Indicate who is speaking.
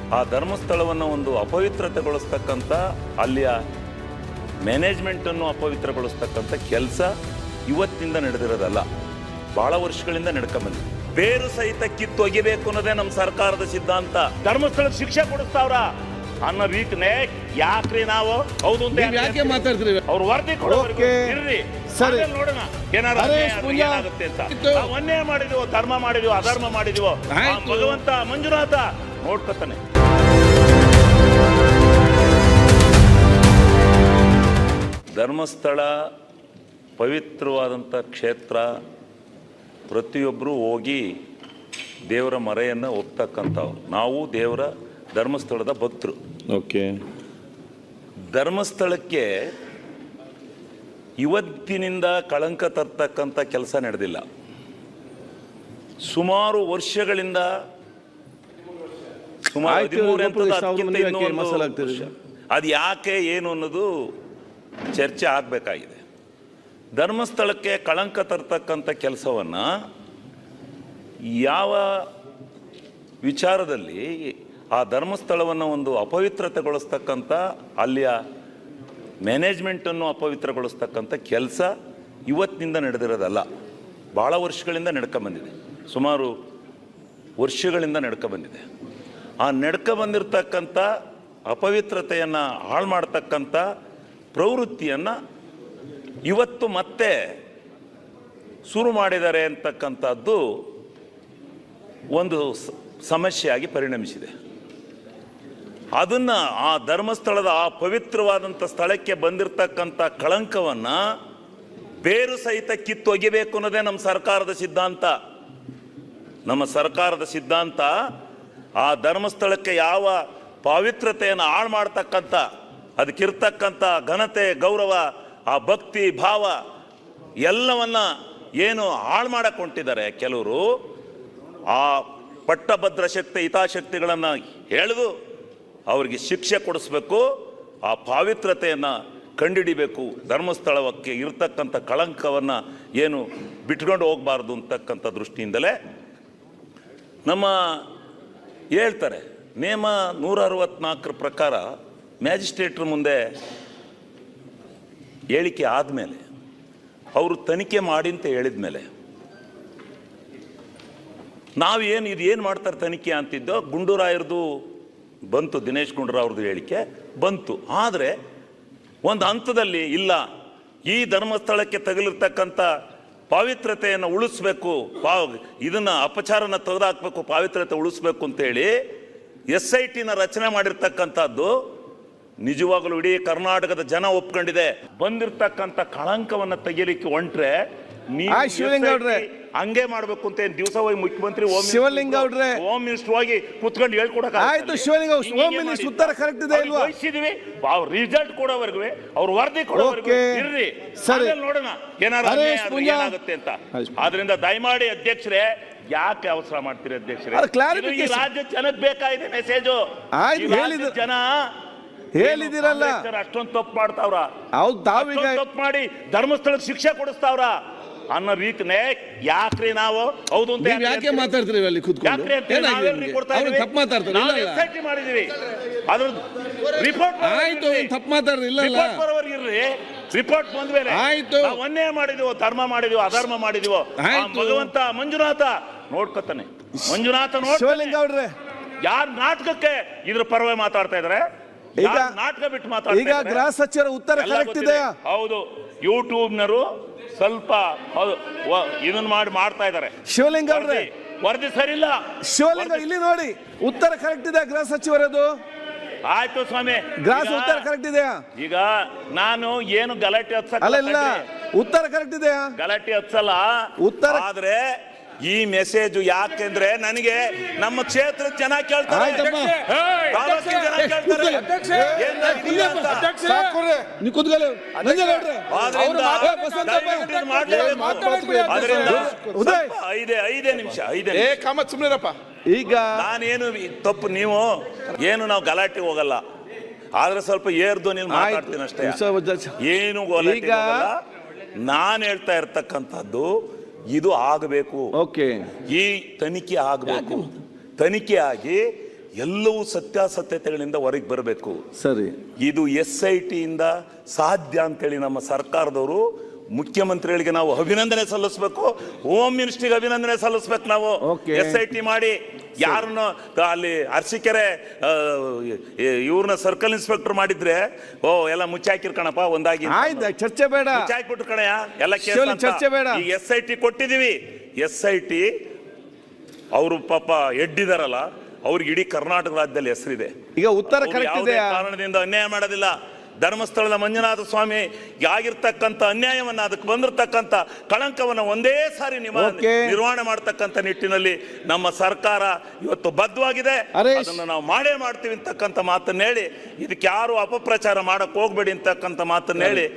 Speaker 1: ಆ ಧರ್ಮಸ್ಥಳವನ್ನು ಒಂದು ಅಪವಿತ್ರತೆಗೊಳಿಸ್ತಕ್ಕಂಥ ಅಲ್ಲಿಯ ಮ್ಯಾನೇಜ್ಮೆಂಟನ್ನು ಅಪವಿತ್ರಗೊಳಿಸ್ತಕ್ಕಂಥ ಕೆಲಸ ಇವತ್ತಿನಿಂದ ನಡೆದಿರೋದಲ್ಲ, ಬಹಳ ವರ್ಷಗಳಿಂದ ನಡ್ಕೊಂಬಂದಿದೆ. ಬೇರು ಸಹಿತ ಕಿತ್ತೊಗಿಬೇಕು ಅನ್ನೋದೇ ನಮ್ಮ ಸರ್ಕಾರದ ಸಿದ್ಧಾಂತ. ಧರ್ಮಸ್ಥಳಕ್ಕೆ ಶಿಕ್ಷೆ ಕೊಡಿಸ್ತಾವ್ರ ಅನ್ನೋ ರೀತಿನೇ ಯಾಕ್ರಿ ನಾವು ಹೌದು ಅಂತ
Speaker 2: ಯಾಕೆ ಮಾತಾಡ್ತೀರಿ?
Speaker 1: ಅವ್ರು ವರದಿ ಕೊಡೋವರೆಗೂ ಇರ್ರಿ, ನೋಡೋಣ ಏನಾಗುತ್ತೆ ಅಂತ. ನಾವು ಅನ್ಯಾಯ ಮಾಡಿದೀವೋ, ಧರ್ಮ ಮಾಡಿದೀವೋ, ಅಧರ್ಮ ಮಾಡಿದೀವೋ, ಭಗವಂತ ಮಂಜುನಾಥ ನೋಡ್ಕೊತಾನೆ. ಧರ್ಮಸ್ಥಳ ಪವಿತ್ರವಾದಂಥ ಕ್ಷೇತ್ರ, ಪ್ರತಿಯೊಬ್ಬರು ಹೋಗಿ ದೇವರ ಮರೆಯನ್ನು ಒಪ್ತಕ್ಕಂಥವ್ರು. ನಾವು ದೇವರ ಧರ್ಮಸ್ಥಳದ ಭಕ್ತರು.
Speaker 2: ಓಕೆ.
Speaker 1: ಧರ್ಮಸ್ಥಳಕ್ಕೆ ಇವತ್ತಿನಿಂದ ಕಳಂಕ ತರ್ತಕ್ಕಂಥ ಕೆಲಸ ನಡೆದಿಲ್ಲ. ಸುಮಾರು ವರ್ಷಗಳಿಂದ, ಸುಮಾರು 13 ಅದು ಯಾಕೆ ಏನು ಅನ್ನೋದು ಚರ್ಚೆ ಆಗಬೇಕಾಗಿದೆ. ಧರ್ಮಸ್ಥಳಕ್ಕೆ ಕಳಂಕ ತರ್ತಕ್ಕಂಥ ಕೆಲಸವನ್ನು ಯಾವ ವಿಚಾರದಲ್ಲಿ ಆ ಧರ್ಮಸ್ಥಳವನ್ನು ಒಂದು ಅಪವಿತ್ರತೆಗೊಳಿಸ್ತಕ್ಕಂಥ ಅಲ್ಲಿಯ ಮ್ಯಾನೇಜ್ಮೆಂಟನ್ನು ಅಪವಿತ್ರಗೊಳಿಸ್ತಕ್ಕಂಥ ಕೆಲಸ ಇವತ್ತಿನಿಂದ ನಡೆದಿರೋದಲ್ಲ, ಭಾಳ ವರ್ಷಗಳಿಂದ ನಡ್ಕೊಂಬಂದಿದೆ. ಸುಮಾರು ವರ್ಷಗಳಿಂದ ನಡ್ಕೊಂಬಂದಿದೆ. ಆ ನಡ್ಕೊಂಬಂದಿರ್ತಕ್ಕಂಥ ಅಪವಿತ್ರತೆಯನ್ನು ಹಾಳು ಮಾಡ್ತಕ್ಕಂಥ ಪ್ರವೃತ್ತಿಯನ್ನು ಇವತ್ತು ಮತ್ತೆ ಶುರು ಮಾಡಿದ್ದಾರೆ ಅಂತಕ್ಕಂಥದ್ದು ಒಂದು ಸಮಸ್ಯೆಯಾಗಿ ಪರಿಣಮಿಸಿದೆ. ಅದನ್ನು ಆ ಧರ್ಮಸ್ಥಳದ ಆ ಪವಿತ್ರವಾದಂಥ ಸ್ಥಳಕ್ಕೆ ಬಂದಿರತಕ್ಕಂಥ ಕಳಂಕವನ್ನು ಬೇರು ಸಹಿತ ಕಿತ್ತೊಗಿಬೇಕು ಅನ್ನೋದೇ ನಮ್ಮ ಸರ್ಕಾರದ ಸಿದ್ಧಾಂತ. ನಮ್ಮ ಸರ್ಕಾರದ ಸಿದ್ಧಾಂತ ಆ ಧರ್ಮಸ್ಥಳಕ್ಕೆ ಯಾವ ಪವಿತ್ರತೆಯನ್ನು ಹಾಳು ಮಾಡ್ತಕ್ಕಂಥ, ಅದಕ್ಕಿರ್ತಕ್ಕಂಥ ಘನತೆ, ಗೌರವ, ಆ ಭಕ್ತಿ ಭಾವ ಎಲ್ಲವನ್ನ ಏನು ಹಾಳು ಮಾಡಕ್ಕೆ ಹೊಂಟಿದ್ದಾರೆ ಕೆಲವರು, ಆ ಪಟ್ಟಭದ್ರ ಶಕ್ತಿ ಹಿತಾಶಕ್ತಿಗಳನ್ನು ಎಳೆದು ಅವರಿಗೆ ಶಿಕ್ಷೆ ಕೊಡಿಸ್ಬೇಕು, ಆ ಪವಿತ್ರತೆಯನ್ನು ಕಂಡುಹಿಡಿಬೇಕು, ಧರ್ಮಸ್ಥಳಕ್ಕೆ ಇರ್ತಕ್ಕಂಥ ಕಳಂಕವನ್ನು ಏನು ಬಿಟ್ಕೊಂಡು ಹೋಗಬಾರ್ದು ಅಂತಕ್ಕಂಥ ದೃಷ್ಟಿಯಿಂದಲೇ ನಮ್ಮ ಹೇಳ್ತಾರೆ. ನೇಮ 164 ಪ್ರಕಾರ ಮ್ಯಾಜಿಸ್ಟ್ರೇಟ್ರ ಮುಂದೆ ಹೇಳಿಕೆ ಆದಮೇಲೆ, ಅವರು ತನಿಖೆ ಮಾಡಿ ಅಂತ ಹೇಳಿದ ಮೇಲೆ ನಾವೇನು ಇದು ಏನು ಮಾಡ್ತಾರೆ ತನಿಖೆ ಅಂತಿದ್ದೋ, ಗುಂಡೂರಾಯರದು ಬಂತು, ದಿನೇಶ್ ಗುಂಡೂರಾವ್ರದ್ದು ಹೇಳಿಕೆ ಬಂತು. ಆದರೆ ಒಂದು ಹಂತದಲ್ಲಿ ಇಲ್ಲ, ಈ ಧರ್ಮಸ್ಥಳಕ್ಕೆ ತಗಲಿರ್ತಕ್ಕಂಥ ಪವಿತ್ರತೆಯನ್ನು ಉಳಿಸ್ಬೇಕು, ಇದನ್ನು ಅಪಚಾರನ ತೆಗೆದುಹಾಕಬೇಕು, ಪವಿತ್ರತೆ ಉಳಿಸ್ಬೇಕು ಅಂತೇಳಿ SITನ ರಚನೆ ಮಾಡಿರ್ತಕ್ಕಂಥದ್ದು ನಿಜವಾಗಲೂ ಇಡೀ ಕರ್ನಾಟಕದ ಜನ ಒಪ್ಕೊಂಡಿದೆ. ಬಂದಿರತಕ್ಕಂಥ ಕಳಂಕವನ್ನು ತೆಗಿಲಿಕ್ಕೆ ಹೊಂಟ್ರೆ ಹಂಗೆ ಮಾಡ್ಬೇಕು ಅಂತ ದಿವಸ ಹೋಗಿ ಮುಖ್ಯಮಂತ್ರಿ ಹೋಮ್ ಮಿನಿಸ್ಟರ್ ಹೋಗಿ ಕುತ್ಕೊಂಡು ಹೇಳ್ಕೊಡಕ್ಕೆ ರಿಸಲ್ಟ್ ಕೊಡೋವರೆಗೂ, ಅವ್ರು ವರದಿ ಕೊಡೋವರೆಗೂ ಇರ್ರಿ, ನೋಡೋಣ ಏನಾಗುತ್ತೆ ಅಂತ. ಆದ್ರಿಂದ ದಯಮಾಡಿ ಅಧ್ಯಕ್ಷರೇ, ಯಾಕೆ ಅವಸರ ಮಾಡ್ತೀರಿ ಅಧ್ಯಕ್ಷರೇ? ಈ ರಾಜ್ಯ ಜನಕ್ಕೆ ಬೇಕಾಗಿದೆ ಮೆಸೇಜು. ಜನ
Speaker 2: ಹೇಳಿದಿರಲ್ಲ
Speaker 1: ಅಷ್ಟೊಂದು ತಪ್ಪು ಮಾಡ್ತಾವ್ರ, ತಪ್ಪು ಮಾಡಿ ಧರ್ಮಸ್ಥಳಕ್ಕೆ ಶಿಕ್ಷೆ ಕೊಡಿಸ್ತಾವ್ರ ಅನ್ನೋ ರೀತಿನೇ ಯಾಕ್ರಿ ನಾವು ಹೌದು ಅಂತ
Speaker 2: ಯಾಕೆ ಮಾತಾಡ್ತೀರಿ? ಅಲ್ಲಿ ಕೂತ್ಕೊಂಡು ತಪ್ಪು ಮಾತಾಡ್ತಾರೆ.
Speaker 1: ಮಾಡಿದೀವಿ ಅದ್ರ ರಿಪೋರ್ಟ್
Speaker 2: ಆಯ್ತು, ತಪ್ಪು ಮಾತಾಡ್ರಿ.
Speaker 1: ರಿಪೋರ್ಟ್ ಬಂದ್ಮೇಲೆ
Speaker 2: ಆಯ್ತು,
Speaker 1: ಅನ್ಯಾಯ ಮಾಡಿದೀವೋ, ಧರ್ಮ ಮಾಡಿದೀವೋ, ಅಧರ್ಮ ಮಾಡಿದೀವೋ, ಭಗವಂತ ಮಂಜುನಾಥ ನೋಡ್ಕೊತಾನೆ. ಮಂಜುನಾಥ ನೋಡ್ಕೊತಾನೆ. ಯಾರು ನಾಟಕಕ್ಕೆ ಇದ್ರ ಪರವಾಗಿ ಮಾತಾಡ್ತಾ ಇದಾರೆ, ನಾಟಕ ಬಿಟ್ಟು ಮಾತಾಡ್ತಾರೆ.
Speaker 2: ಈಗ ಗೃಹ ಸಚಿವರ ಉತ್ತರ ಕರೆಕ್ಟ್ ಇದೆ.
Speaker 1: ಹೌದು, ಯೂಟ್ಯೂಬ್ನರು ಸ್ವಲ್ಪ ಇದನ್ನ ಮಾಡ್ತಾ ಇದ್ದಾರೆ.
Speaker 2: ಶಿವಲಿಂಗ ಅವ್ರೆ,
Speaker 1: ವರದಿ ಸರಿ ಇಲ್ಲ.
Speaker 2: ಶಿವಲಿಂಗ ಇಲ್ಲಿ ನೋಡಿ, ಉತ್ತರ ಕರೆಕ್ಟ್ ಇದೆ ಗೃಹ ಸಚಿವರದು.
Speaker 1: ಆಯ್ತು ಸ್ವಾಮಿ,
Speaker 2: ಗೃಹ ಉತ್ತರ ಕರೆಕ್ಟ್ ಇದೆಯಾ?
Speaker 1: ಈಗ ನಾನು ಏನು ಗಲಾಟೆ ಹತ್ಸಲ್ಲ,
Speaker 2: ಉತ್ತರ ಕರೆಕ್ಟ್ ಇದೆಯಾ?
Speaker 1: ಗಲಾಟೆ ಹತ್ಸಲ್ಲ ಉತ್ತರ. ಆದ್ರೆ ಈ ಮೆಸೇಜ್ ಯಾಕೆಂದ್ರೆ ನನಗೆ ನಮ್ಮ ಕ್ಷೇತ್ರದ ಜನ ಕೇಳ್ತಾರೆ, ಐದೇ ನಿಮಿಷ ಈಗ ನಾನೇನು ತಪ್ಪು, ನೀವು ಏನು ನಾವು ಗಲಾಟೆ ಹೋಗಲ್ಲ, ಆದ್ರೆ ಸ್ವಲ್ಪ ಏರ್ದು ನೀನು ಮಾತಾಡ್ತೀನಿ ಅಷ್ಟೇ, ಏನು ಈಗ ನಾನು ಹೇಳ್ತಾ ಇರ್ತಕ್ಕಂಥದ್ದು ಇದು ಆಗಬೇಕು.
Speaker 2: ಓಕೆ,
Speaker 1: ಈ ತನಿಖೆ ಆಗಬೇಕು. ತನಿಖೆ ಆಗಿ ಎಲ್ಲವೂ ಸತ್ಯಾಸತ್ಯತೆಗಳಿಂದ ಹೊರಗೆ ಬರಬೇಕು.
Speaker 2: ಸರಿ, ಇದು
Speaker 1: SIT ಇಂದ ಸಾಧ್ಯ ಅಂತೇಳಿ ನಮ್ಮ ಸರ್ಕಾರದವರು ಮುಖ್ಯಮಂತ್ರಿಗಳಿಗೆ ನಾವು ಅಭಿನಂದನೆ ಸಲ್ಲಿಸಬೇಕು, ಹೋಮ್ ಮಿನಿಸ್ಟ್ರಿಗೆ ಅಭಿನಂದನೆ ಸಲ್ಲಿಸಬೇಕು. ನಾವು SIT ಮಾಡಿ ಯಾರನ್ನ ಅಲ್ಲಿ ಅರಸೀಕೆರೆ ಇವ್ರನ್ನ ಸರ್ಕಲ್ ಇನ್ಸ್ಪೆಕ್ಟರ್ ಮಾಡಿದ್ರೆ ಎಲ್ಲ ಮುಚ್ಚಾಕಿರ್ ಕಣಪ್ಪ, ಒಂದಾಗಿ
Speaker 2: ಚರ್ಚೆ ಬೇಡ,
Speaker 1: ಮುಚ್ಚಾಕ್ಬಿಟ್ರು ಕಣಯ್ಯ ಎಲ್ಲ ಕೇಸ್.
Speaker 2: ಚರ್ಚೆ ಬೇಡ.
Speaker 1: ಈಗ SIT ಕೊಟ್ಟಿದೀವಿ. SIT ಅವರು ಪಾಪ ಎಡ್ಡಿದಾರಲ್ಲ, ಅವ್ರಿಗೆ ಇಡೀ ಕರ್ನಾಟಕ ರಾಜ್ಯದಲ್ಲಿ ಹೆಸರಿದೆ.
Speaker 2: ಈಗ ಉತ್ತರ
Speaker 1: ಕಾರಣದಿಂದ ಅನ್ಯಾಯ ಮಾಡೋದಿಲ್ಲ. ಧರ್ಮಸ್ಥಳದ ಮಂಜುನಾಥ ಸ್ವಾಮಿ ಆಗಿರ್ತಕ್ಕಂಥ ಅನ್ಯಾಯವನ್ನ, ಅದಕ್ಕೆ ಬಂದಿರತಕ್ಕಂಥ ಕಳಂಕವನ್ನ ಒಂದೇ ಸಾರಿ ನಿರ್ವಹಣೆ ಮಾಡತಕ್ಕಂಥ ನಿಟ್ಟಿನಲ್ಲಿ ನಮ್ಮ ಸರ್ಕಾರ ಇವತ್ತು ಬದ್ಧವಾಗಿದೆ. ಅದನ್ನು ನಾವು ಮಾಡೇ ಮಾಡ್ತೀವಿ ಅಂತಕ್ಕಂಥ ಮಾತನ್ನ ಹೇಳಿ, ಇದಕ್ಕೆ ಯಾರು ಅಪಪ್ರಚಾರ ಮಾಡಕ್ ಹೋಗ್ಬೇಡಿ ಅಂತಕ್ಕಂಥ ಮಾತನ್ನ ಹೇಳಿ